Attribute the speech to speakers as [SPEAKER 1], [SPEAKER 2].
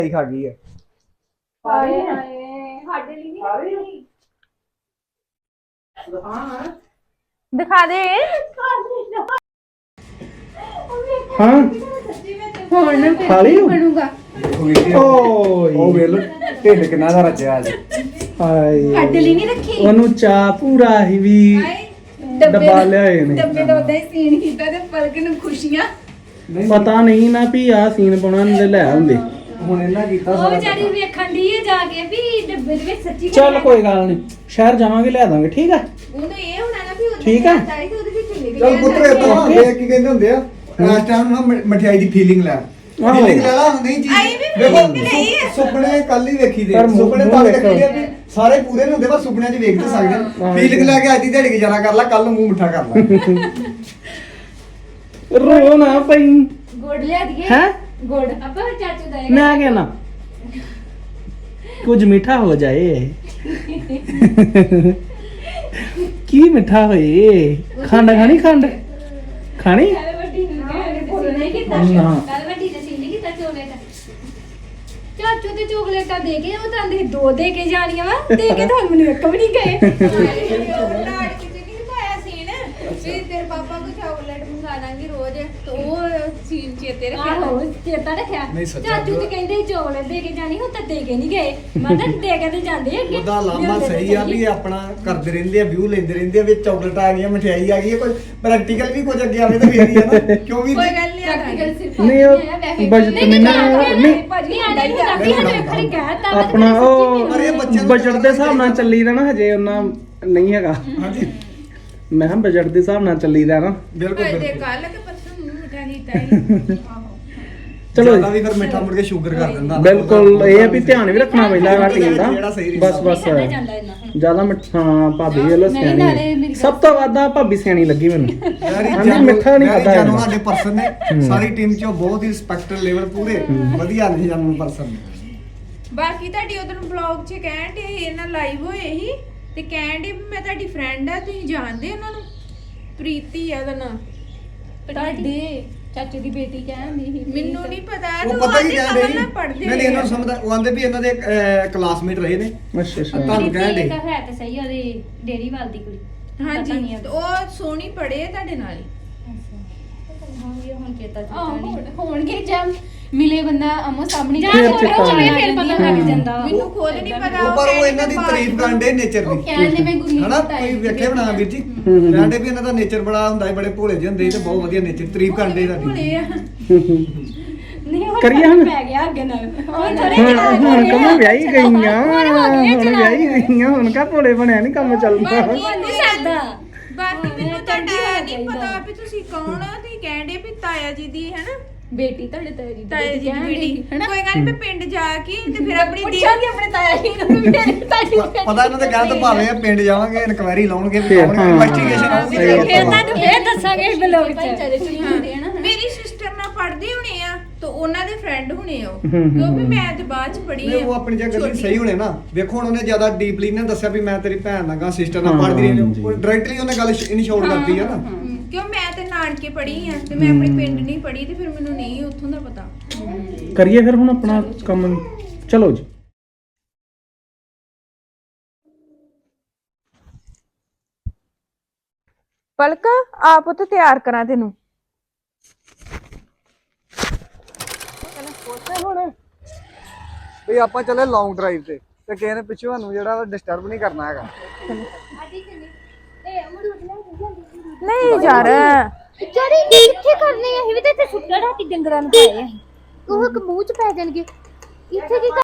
[SPEAKER 1] ਖਾ ਗਈ ਹੈ।
[SPEAKER 2] ਹਾਏ ਹਾਏ ਸਾਡੇ ਲਈ ਨਹੀਂ
[SPEAKER 3] ਦਿਖਾ ਦੇ।
[SPEAKER 1] ਹਾਂ
[SPEAKER 3] ਹੁਣ
[SPEAKER 1] ਖਾ ਲਈ
[SPEAKER 3] ਬਣੂਗਾ।
[SPEAKER 1] ਓਏ
[SPEAKER 4] ਉਹ ਵੇਲ ਢਿੱਡ ਕਿੰਨਾ ਦਾ ਰਚਿਆ ਅੱਜ।
[SPEAKER 1] ਹਾਏ
[SPEAKER 3] ਸਾਡੇ ਲਈ ਨਹੀਂ ਰੱਖੀ।
[SPEAKER 1] ਉਹਨੂੰ ਚਾਹ ਪੂਰਾ ਹੀ ਵੀ ਡੱਬਾ ਲਿਆਏ ਨੇ।
[SPEAKER 3] ਡੱਬੇ ਦਾ ਉਦਾਂ ਹੀ ਸੀਨ ਕੀਤਾ ਤੇ ਪਲਕ ਨੂੰ ਖੁਸ਼ੀਆਂ।
[SPEAKER 1] ਪਤਾ ਨਹੀਂ ਨਾ ਵੀ ਆ ਸੀਨ ਪਾਉਣਾ ਨੇ ਲੈ ਆਉਂਦੇ।
[SPEAKER 4] ਹੁਣ ਇਹਨਾਂ ਕੀਤਾ
[SPEAKER 2] ਉਹ
[SPEAKER 4] ਸਾਰਾ
[SPEAKER 2] ਵਿਚਾਰੀ ਵੇਖਣ ਦੀ ਹੈ ਜਾ ਕੇ ਵੀ ਡੱਬੇ ਦੇ ਵਿੱਚ ਸੱਚੀ
[SPEAKER 1] ਚੱਲ ਕੋਈ ਗੱਲ ਨਹੀਂ, ਸ਼ਹਿਰ ਜਾਵਾਂਗੇ ਲਿਆ ਦਾਂਗੇ। ਠੀਕ ਹੈ
[SPEAKER 3] ਉਹਨੂੰ ਇਹ ਹੋਣਾ ਨਾ ਵੀ ਉਹਦੇ
[SPEAKER 1] ਠੀਕ ਆ।
[SPEAKER 3] ਚਾਹੀ ਤੇ ਉਹਦੇ ਵਿੱਚ ਨਿਕਲ
[SPEAKER 4] ਚੱਲ ਪੁੱਤਰ ਇਦਾਂ ਦੇਖ ਕੀ ਕਹਿੰਦੇ ਹੁੰਦੇ ਆ ਇਸ ਟਾਈਮ ਨਾ ਮਠਿਆਈ ਦੀ ਫੀਲਿੰਗ ਲੈ।
[SPEAKER 1] ਆਹੋ।
[SPEAKER 4] ਫੀਲਿੰਗ ਲੈ ਲਾ ਨਹੀਂ ਚੀਜ਼
[SPEAKER 3] ਆਈ ਵੀ feeling ਲਈ ਹੈ।
[SPEAKER 4] ਸੁਪਨੇ ਕੱਲ ਹੀ ਵੇਖੀ ਦੇ
[SPEAKER 1] ਪਰ ਮੂੰਹ
[SPEAKER 4] ਸੁਪਨੇ ਤਾਂ
[SPEAKER 1] ਵੇਖੋ।
[SPEAKER 4] ਵੇਖੀ ਦੇ ਵੀ ਸਾਰੇ ਪੂਰੇ ਨਹੀਂ ਹੁੰਦੇ ਪਰ ਸੁਪਨਿਆਂ 'ਚ ਵੇਖ ਤੇ ਸਕਦੇ
[SPEAKER 1] ਹਾਂ।
[SPEAKER 4] ਫੀਲਿੰਗ ਲੈ ਕੇ ਅੱਜ ਦੀ ਦਿਹਾੜੀ ਗੁਜ਼ਾਰਾ ਕਰ ਲੈ, ਕੱਲ ਨੂੰ ਮੂੰਹ ਮਿੱਠਾ ਕਰ ਲੈ।
[SPEAKER 1] ਰੋ ਨਾ ਪਈ
[SPEAKER 2] ਗੁੜ ਲਿਆ ਦੀਏ
[SPEAKER 1] ਹੈ।
[SPEAKER 2] ਗੁੜ ਆਪਾਂ ਚਾਚੂ ਦਾ
[SPEAKER 1] ਮੈਂ ਕਹਿਣਾ ਕੁਝ ਮਿੱਠਾ ਹੋ ਜਾਏ। ਕੀ ਮਿੱਠਾ ਹੋਏ? ਖੰਡ ਖਾਣੀ? ਖੰਡ ਖਾਣੀ?
[SPEAKER 2] ਕੱਲ ਵੱਡੀ ਨੂੰ ਕਿਹਾ ਨਹੀਂ ਕੀਤਾ
[SPEAKER 1] ਨਾ।
[SPEAKER 2] ਕੱਲ ਵੱਡੀ ਨੇ ਸੀ ਨਹੀਂ ਕੀਤਾ ਚੋਕਲੇਟ ਚਾਚੂ ਤੇ ਚੋਕਲੇਟਾਂ ਦੇ ਕੇ ਉਹ ਤਾਂ ਆਂਦੇ ਦੋ ਦੇ ਕੇ ਜਾਣੀਆਂ ਵਾ ਦੇ ਕੇ ਤਾਂ ਮੈਨੂੰ ਇੱਕ ਵੀ ਨਹੀਂ ਗਏ
[SPEAKER 3] ਲਾੜ ਕਿਤੇ ਨਹੀਂ ਪਾਇਆ ਸੀਨ ਵੀ ਤੇਰੇ ਪਾਪਾ ਕੋ ਚਾਕਲੇਟ ਮੰਗਾ ਦਾਂਗੀ ਰੋਜ਼ ਤੇ ਉਹ ਸੀਨ ਚੇਤੇ ਰੱਖਿਆ।
[SPEAKER 2] ਆਹੋ ਚੇਤਾ ਰੱਖਿਆ
[SPEAKER 4] ਨਹੀਂ, ਸੱਚਾ
[SPEAKER 2] ਚਾਚੂ ਤੇ ਕਹਿੰਦੇ ਸੀ ਚੋਕਲੇਟ ਦੇ ਕੇ ਜਾਣੀ ਹੁਣ ਤਾਂ ਦੇ ਕੇ ਨਹੀਂ ਗਏ ਮੈਂ ਤਾਂ ਦੇ ਕੇ ਤੇ ਜਾਂਦੇ ਅੱਗੇ
[SPEAKER 4] ਉਹਦਾ ਲਾਮਾ ਸਹੀ ਆ ਵੀ ਆਪਣਾ ਕਰਦੇ ਰਹਿੰਦੇ ਆ, ਵਿਊ ਲੈਂਦੇ ਰਹਿੰਦੇ ਆ, ਵਿੱਚ ਚਾਕਲੇਟ ਆ ਗਈਆਂ, ਮਠਿਆਈ ਆ ਗਈ ਹੈ, ਕੋਈ ਪ੍ਰੈਕਟੀਕਲ ਵੀ ਕੁਝ ਅੱਗੇ ਆਵੇ ਤਾਂ ਫੇਰ ਹੀ ਆ ਨਾ। ਕਿਉਂ ਵੀ
[SPEAKER 3] ਕੋਈ ਗੱਲ ਨਹੀਂ
[SPEAKER 2] ਪ੍ਰੈਕਟੀਕਲ ਸਿਰਫ
[SPEAKER 1] ਨਹੀਂ ਉਹ ਬਜਟ ਨਹੀਂ
[SPEAKER 2] ਭਾਜੀ ਆਂਦੇ ਨੂੰ ਦੱਸੀ ਹਜੇ ਵੇਖਣੀ ਕਹਿਤਾ
[SPEAKER 1] ਆਪਣਾ ਉਹ
[SPEAKER 4] ਪਰ ਇਹ ਬੱਚਿਆਂ ਨੂੰ
[SPEAKER 1] ਬਜਟ ਦੇ ਹਿਸਾਬ ਨਾਲ ਚੱਲੀ ਰਹਿਣਾ, ਹਜੇ ਉਹਨਾਂ ਨਹੀਂ ਹੈਗਾ।
[SPEAKER 4] ਹਾਂਜੀ
[SPEAKER 1] ਮੈਂ ਕਿਹਾ ਬਜਟ ਦੇ ਹਿਸਾਬ ਨਾਲ ਚੱਲੀ ਰਹਿਣਾ।
[SPEAKER 4] ਬਿਲਕੁਲ
[SPEAKER 3] ਦੇ
[SPEAKER 4] ਬਿਲਕੁਲ
[SPEAKER 3] ਕੱਲ ਕਿ ਪਰਸੋਂ ਮੂੰਹ ਮਿਠਾ ਕੀਤਾ ਹੀ।
[SPEAKER 1] ਚਲੋ
[SPEAKER 4] ਜ਼ਿਆਦਾ ਵੀ ਫਿਰ ਮਿੱਠਾ ਮੁੜ ਕੇ ਸ਼ੂਗਰ ਕਰ ਦਿੰਦਾ ਨਾ।
[SPEAKER 1] ਬਿਲਕੁਲ ਇਹ ਆ ਵੀ ਧਿਆਨ ਵੀ ਰੱਖਣਾ ਪੈਂਦਾ ਘਟੀਆਂ ਦਾ।
[SPEAKER 4] ਜਿਹੜਾ ਸਹੀ ਰਹਿੰਦਾ।
[SPEAKER 1] ਬਸ
[SPEAKER 2] ਜਾਂਦਾ ਇੰਨਾ
[SPEAKER 1] ਜਿਆਦਾ ਮਿੱਠਾ ਭਾਬੀ ਵੱਲੋਂ
[SPEAKER 2] ਨਹੀਂ, ਨਾਲੇ
[SPEAKER 1] ਸਿਆਣੀ
[SPEAKER 2] ਮੇਰੀ
[SPEAKER 1] ਸਭ ਤੋਂ ਵੱਧ ਆ ਭਾਬੀ ਸਿਆਣੀ ਲੱਗੀ ਮੈਨੂੰ।
[SPEAKER 4] ਯਾਰੀ
[SPEAKER 1] ਹਾਂਜੀ, ਮਿੱਠਾ ਨਹੀਂ ਖਾਧਾ
[SPEAKER 4] ਜਾਨੂ
[SPEAKER 1] ਜਾਂਦਾ।
[SPEAKER 4] ਸਾਡੇ ਪਰਸਨ ਨੇ ਸਾਰੀ ਟੀਮ ਚੋਂ ਬਹੁਤ ਹੀ ਰਿਸਪੈਕਟਡ ਲੈਵਲ ਪੂਰੇ ਵਧੀਆ ਨੇ ਜਾਨੂ ਪਰਸਨ।
[SPEAKER 3] ਬਾਕੀ ਤੁਹਾਡੀ ਉਦੋਂ ਬਲੌਗ 'ਚ ਕਹਿਣ ਤੇ ਇਹਨਾਂ ਲਾਈਵ ਹੋਏ ਸੀ ਤੇ ਕਹਿਣ ਦੇ ਮੈਂ ਤੁਹਾਡੀ ਫਰੈਂਡ ਆ, ਤੁਸੀਂ ਜਾਣਦੇ ਉਹਨਾਂ ਨੂੰ? ਪ੍ਰੀਤੀ ਆ ਉਹਦਾ ਨਾਮ।
[SPEAKER 2] ਤੁਹਾਡੇ ਚਾਚੂ ਦੀ ਬੇਟੀ ਕਹਿੰਦੀ ਸੀ
[SPEAKER 3] ਮੈਨੂੰ ਨਹੀਂ ਪਤਾ
[SPEAKER 4] ਉਹ ਪਤਾ ਕੀ ਕਹਿ ਰਹੀ ਨਹੀਂ ਇਹਨਾਂ ਨੂੰ ਸਮਝਦਾ ਉਹ ਆਂਦੇ ਵੀ ਇਹਨਾਂ ਦੇ ਕਲਾਸਮੇਟ ਰਹੇ ਨੇ।
[SPEAKER 1] ਅੱਛਾ ਅੱਛਾ
[SPEAKER 4] ਤੁਹਾਨੂੰ ਕਹਿਣ ਦੇ
[SPEAKER 2] ਤਾਂ ਹੈ ਤੇ ਸਹੀ ਉਹਦੀ ਡੇਰੀ ਵਾਲ ਦੀ ਕੁੜੀ
[SPEAKER 3] ਹਾਂਜੀ
[SPEAKER 2] ਪਤਾ ਨਹੀਂ
[SPEAKER 3] ਤੇ ਉਹ ਸੋਹਣੀ ਪੜੇ ਤੁਹਾਡੇ ਨਾਲ ਹੀ।
[SPEAKER 2] ਹੋਣਗੇ ਹੁਣ ਚੇਤਾ
[SPEAKER 3] ਹੋਣਗੇ ਜਮ ਮਿਲੇ ਬੰਦਾ ਅਮੋ ਸਾਹਮਣੇ
[SPEAKER 2] ਜਾਂ
[SPEAKER 1] ਫਿਰ
[SPEAKER 2] ਫੋਟੋ
[SPEAKER 1] ਚੇਤਾ
[SPEAKER 2] ਚੋਏ
[SPEAKER 1] ਆਉਂਦਾ।
[SPEAKER 2] ਫਿਰ ਪਤਾ ਲੱਗ ਜਾਂਦਾ ਵਾ।
[SPEAKER 3] ਮੈਨੂੰ ਖੁਦ ਨਹੀਂ ਪਤਾ
[SPEAKER 4] ਉਹ ਪਰ ਉਹ ਇਹਨਾਂ ਦੀ ਤਾਰੀਫ ਕਰਦੇ ਨੇਚਰ ਦੀ।
[SPEAKER 3] ਕਹਿੰਦੇ ਮੈਂ ਗੁਰਮੀਤ
[SPEAKER 4] ਹਨਾ ਕੋਈ ਵੇਖੇ ਬਣਾ ਵੀਰ ਜੀ
[SPEAKER 1] ਹੂੰ।
[SPEAKER 4] ਕਹਿੰਦੇ ਵੀ ਇਹਨਾਂ ਦਾ ਨੇਚਰ ਬੜਾ ਹੁੰਦਾ ਹੈ, ਬੜੇ ਭੋਲੇ ਜਿਹੇ ਹੁੰਦੇ ਸੀ ਤੇ ਬਹੁਤ ਵਧੀਆ ਨੇਚਰ ਤਾਰੀਫ ਕਰਦੇ
[SPEAKER 3] ਭੋਲੇ
[SPEAKER 4] ਤੁਹਾਡੀ।
[SPEAKER 3] ਆ।
[SPEAKER 2] ਨਹੀਂ ਹੁਣ
[SPEAKER 1] ਕਰੀਏ ਹੁਣ?
[SPEAKER 2] ਪੈ ਗਿਆ ਅੱਗੇ ਨਾਲ ਹੁਣ ਥੋੜੇ
[SPEAKER 1] ਹੁਣ ਕਮਾ ਵਿਆਹੀ ਗਈਆਂ
[SPEAKER 2] ਹੁਣ ਹੋ ਗਏ
[SPEAKER 1] ਹੁਣ ਵਿਆਹੀ ਗਈਆਂ ਹੁਣ ਕਾ ਭੋਲੇ ਬਣਿਆ ਨਹੀਂ ਕੰਮ ਚੱਲਦਾ।
[SPEAKER 3] ਬਾਕੀ
[SPEAKER 2] ਨਹੀਂ ਸਰਦਾ
[SPEAKER 3] ਬਾਕੀ ਮੈਨੂੰ ਤੁਹਾਡਾ ਨਹੀਂ ਪਤਾ ਵੀ ਤੁਸੀਂ ਕੌਣ ਆ। ਤੁਸੀਂ ਕਹਿੰਦੇ ਵੀ ਤਾਇਆ ਜੀ ਦੀ ਹੈ ਨਾ
[SPEAKER 2] ਬੇਟੀ ਤੁਹਾਡੇ ਤਾਇਆ ਜੀ
[SPEAKER 3] ਤਾਇਆ ਜੀ ਦੀ ਬੇਟੀ। ਕੋਈ ਗੱਲ ਨੀ, ਮੈਂ ਪਿੰਡ ਜਾ ਕੇ ਤੇ ਫਿਰ ਆਪਣੀ ਦੀ
[SPEAKER 2] ਪੁੱਛਾਂਗੇ ਆਪਣੇ ਤਾਇਆ ਜੀ ਨੂੰ ਵੀ ਮੇਰੀ ਤਾਈ
[SPEAKER 4] ਪਤਾ ਇਹਨਾਂ ਦੇ ਕਹਿਣ ਤੋਂ ਭਾਵੇਂ ਆ ਪਿੰਡ ਜਾਵਾਂਗੇ ਇਨਕੁਆਇਰੀ ਲਾਉਣਗੇ ਵੀ
[SPEAKER 1] ਫਿਰ,
[SPEAKER 4] ਆਉਣਗੇ
[SPEAKER 1] ਹਾਂ।
[SPEAKER 4] ਇਨਵੈਸਟੀਗੇਸ਼ਨ ਹੋਊਗੀ
[SPEAKER 1] ਸਹੀ
[SPEAKER 4] ਤੇ
[SPEAKER 1] ਗੱਲ
[SPEAKER 2] ਫਿਰ
[SPEAKER 1] ਆ।
[SPEAKER 2] ਤੁਹਾਨੂੰ ਫੇਰ ਦੱਸਾਂਗੇ ਬਲੌਗ ਚ
[SPEAKER 3] ਭਾਈਚਾਰੇ ਚ ਹੀ ਹੁੰਦੇ ਆ ਨਾ। ਮੇਰੀ ਸਿਸਟਰ ਨਾਲ ਪੜ੍ਹਦੇ ਹੋਣੇ ਆ ਤਾਂ ਉਹਨਾਂ ਦੇ ਫਰੈਂਡ ਹੋਣੇ ਆ ਉਹ।
[SPEAKER 1] ਹੂੰ।
[SPEAKER 3] ਕਿਉਂਕਿ ਮੈਂ ਤੇ ਬਾਅਦ ਚ ਪੜ੍ਹੀ
[SPEAKER 4] ਨਹੀਂ
[SPEAKER 3] ਆ।
[SPEAKER 4] ਉਹ ਆਪਣੀ ਜਗ੍ਹਾ ਤੇ
[SPEAKER 3] ਛੋਟੀ।
[SPEAKER 4] ਸਹੀ ਹੋਣੇ ਨਾ। ਵੇਖੋ ਹੁਣ ਉਹਨੇ ਜ਼ਿਆਦਾ ਡੀਪਲੀ ਨੇ ਦੱਸਿਆ ਵੀ ਮੈਂ ਤੇਰੀ ਭੈਣ ਨਾਲ ਗਾ ਸਿਸਟਰ ਨਾਲ
[SPEAKER 1] ਹਾਂ,
[SPEAKER 4] ਪੜ੍ਹਦੀ ਰਹੀ
[SPEAKER 1] ਹਾਂਜੀ।
[SPEAKER 4] ਉਹ ਡਾਇਰੈਕਟਲੀ ਉਹਨੇ ਗੱਲ ਇਨਸ਼ੋਰ ਕਰਤੀ ਆ ਨਾ।
[SPEAKER 3] ਕਿਉਂ ਮੈਂ ਤੇ ਨਾਨਕੇ ਪੜ੍ਹੀ ਆ ਤੇ ਮੈਂ ਆਪਣੇ ਪਿੰਡ ਨਹੀਂ ਪੜ੍ਹੀ ਤੇ ਫਿਰ ਮੈਨੂੰ ਨਹੀਂ ਉੱਥੋਂ ਦਾ ਪਤਾ।
[SPEAKER 1] ਕਰੀਏ ਫਿਰ ਹੁਣ ਆਪਣਾ ਕੰਮ। ਚਲੋ ਜੀ।
[SPEAKER 3] ਪਲਕ ਆਪ ਉੱਥੇ ਤਿਆਰ ਕਰਾਂ ਤੈਨੂੰ।
[SPEAKER 4] ਵੀ ਆਪਾਂ ਚੱਲੇ ਲੌਂਗ ਡਰਾਈਵ ਤੇ ਕਿਸੇ ਨੇ ਪਿੱਛੋਂ ਸਾਨੂੰ ਜਿਹੜਾ ਡਿਸਟਰਬ ਨਹੀਂ ਕਰਨਾ ਹੈਗਾ।
[SPEAKER 3] ਨਹੀਂ ਯਾਰ
[SPEAKER 2] ਵਿਚਾਰੀ ਕਿੱਥੇ ਕਰਨੇ ਆ ਇਹ ਵੀ ਤੇ ਇੱਥੇ ਸੁੱਟਣ ਰਾਤੀ ਡੰਗਰਾਂ ਨੂੰ ਪਾਏ ਆ ਉਹ ਮੂੰਹ ਚ ਪੈ ਜਾਣਗੇ ਇੱਥੇ ਕੀ